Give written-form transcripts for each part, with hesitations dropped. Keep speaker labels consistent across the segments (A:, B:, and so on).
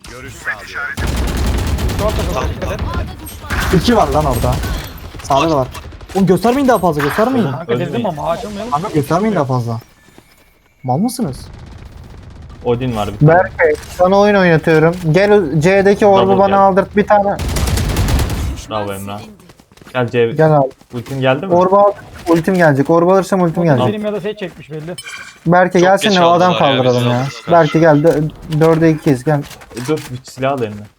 A: Görüş sağlıyorum.
B: İki var lan orada. Sağda da var. Oğlum göstermeyin daha fazla, göstermeyin.
C: Kanka dedim ama açılmayalım.
B: Kanka göstermeyin daha fazla. Mal mısınız?
D: Odin var bir tane.
E: Berkay sana oyun oynatıyorum. Gel C'deki orbu
D: Double
E: bana
D: gel.
E: aldırt bir tane.
D: Bravo Emrah. Gel C.
E: Gel abi.
D: Ultin geldi mi?
E: Orbu al. Ultim gelecek. Orbu alırsam ultim gelecek.
C: Benim ya da şey çekmiş belli.
E: Berke
F: Çok
E: gelsene
F: geç
E: o adam
F: aldılar ya,
E: kaldıralım
F: bizi
E: ya.
F: aldılar.
E: Berke gel. 4'e 2'yiz gel.
D: Dur bir silah al eline.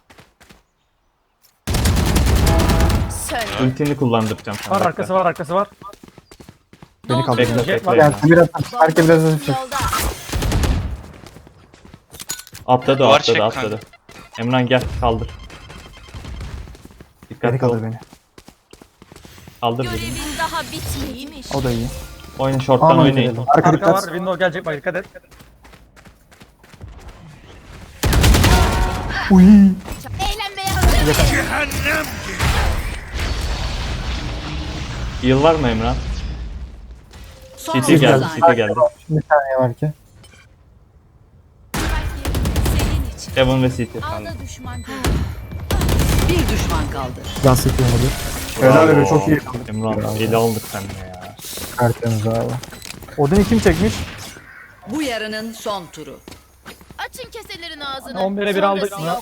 D: Ultini kullandıracağım sana.
C: Var arkası var arkası var.
B: Beni kaldır.
D: Bekle
C: Jet
D: bekle.
C: var.
E: Gel biraz Berke biraz hızlı.
D: Atladı
F: Duvar
D: atladı
F: çek
D: atladı. Emran gel kaldır.
B: Beni
D: Dikkatli ol.
B: kaldır beni.
D: Kaldır beni.
G: Görevin daha bitmeymiş.
B: O da iyi.
D: Oyna short'tan
E: Aman
D: oynayın.
E: gidelim.
B: Arka
C: Arka var.
B: dikkat.
C: Window gelecek bak dikkat et.
B: Uy.
G: Eğlenmeye hazır.
D: Heal var mı Emran?
G: Son
D: CT geldi
B: geldi.
D: CT geldi.
E: Bir saniye Berke.
G: senin için.
D: Heaven ve CT.
G: Ağda düşman görüldü.
H: Bir düşman kaldı.
B: Can sıkıyor olabilir. Helal öyle çok iyi.
D: Emran eli aldık seninle ya.
E: Tertemiz abi.
B: Odin'i kim çekmiş?
H: Bu yarının son turu.
G: Açın keselerin ağzını.
C: 11'e 1 aldık
G: Sonrası
C: mı?
G: yok.